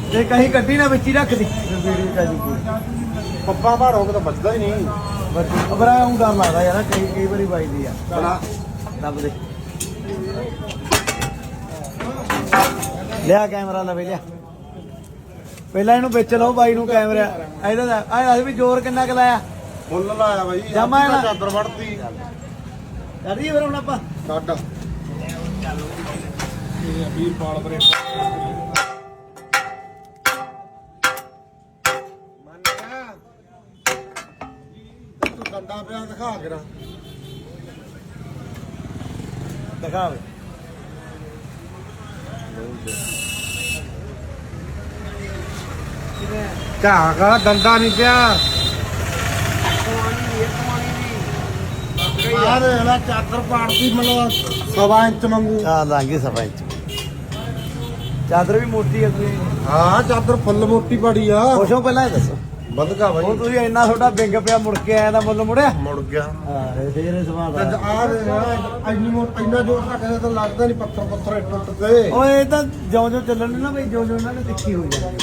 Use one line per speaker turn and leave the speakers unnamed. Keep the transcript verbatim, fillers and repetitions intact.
ਤੇ ਕਹੀਂ ਕੱਢੀ ਨਾ ਵਿੱਚ ਹੀ ਰੱਖ ਦੀ ਵੀਡੀਓ ਕਾ ਜੀ
ਪੱਪਾ ਭਾਰੋਗੇ ਤਾਂ ਬਚਦਾ ਹੀ ਨਹੀਂ।
ਬਰਾ ਉਹ ਡਰ ਲੱਗਦਾ ਯਾਰ ਕਈ ਕਈ ਵਾਰੀ ਵੱਜਦੀ ਆ
ਬਣਾ
ਦੱਬ ਦੇ ਲਿਆ ਕੈਮਰਾ ਲਵੇ ਲਿਆ ਪਹਿਲਾਂ ਇਹਨੂੰ ਵਿੱਚ ਲਓ ਬਾਈ ਨੂੰ ਕੈਮਰਾ ਇਹਦਾ ਦਾ ਆ ਵੀ ਜ਼ੋਰ ਕਿੰਨਾ ਕੁ ਲਾਇਆ
ਮੁੱਲ ਲਾਇਆ ਬਾਈ
ਜਮਾ
ਆਪਣੀ ਤਾਂ ਚਾਦਰ ਵੜਤੀ
ਕਰੀਏ ਫਿਰ ਹੁਣ ਆਪਾਂ
ਕੱਢ ਇਹ ਵੀਰ ਪਾਲ ਬਰੇ ਮੰਨਿਆ ਤੂੰ ਡੰਡਾ ਪਿਆ ਦਿਖਾ ਕੇ ਨਾ
ਦਿਖਾਵੇ
ਘਾਹ ਕਾ ਡੰਡਾ ਨਹੀਂ ਪਿਆ ਆ ਦੇ ਨਾ ਚਾਦਰ ਪਾੜਦੀ ਮਤਲਬ ਸਵਾ ਇੰਚ ਮੰਗੂ
ਆ ਲਾਂਗੇ ਸਭਾ ਇੰਚ ਚਾਦਰ ਵੀ ਮੋਟੀ ਆ ਕੋਈ
ਹਾਂ ਚਾਦਰ ਫੁੱਲ ਮੋਟੀ ਪੜੀ ਆ
ਖੁਸ਼ੋ ਪਹਿਲਾਂ ਇਹ ਦੱਸੋ
ਵਧਗਾ ਬਾਈ
ਹੁਣ ਤੁਸੀਂ ਇੰਨਾ ਤੁਹਾਡਾ ਵਿੰਗ ਪਿਆ ਮੁੜ ਕੇ ਆਇਆ ਦਾ ਮੁੱਲ ਮੁੜਿਆ
ਮੁੜ ਗਿਆ
ਹਾਂ ਇਹ ਫੇਰ ਸਵਾਦ
ਤੇ
ਆ
ਆ ਦੇ ਨਾ ਇੰਨੀ ਮੋਟ ਇੰਨਾ ਜੋਰ ਰੱਖਦੇ ਤਾਂ ਲੱਗਦਾ ਨਹੀਂ ਪੱਥਰ ਪੱਥਰ ਟੁੱਟ ਗਏ
ਓਏ ਇਹ ਤਾਂ ਜਿਉਂ ਜਿਉਂ ਚੱਲਣ ਨਾ ਬਈ ਜਿਉਂ ਜਿਉਂ ਉਹਨਾਂ ਨੇ ਤਿੱਖੀ ਹੋਈ ਜਾਂਦੀ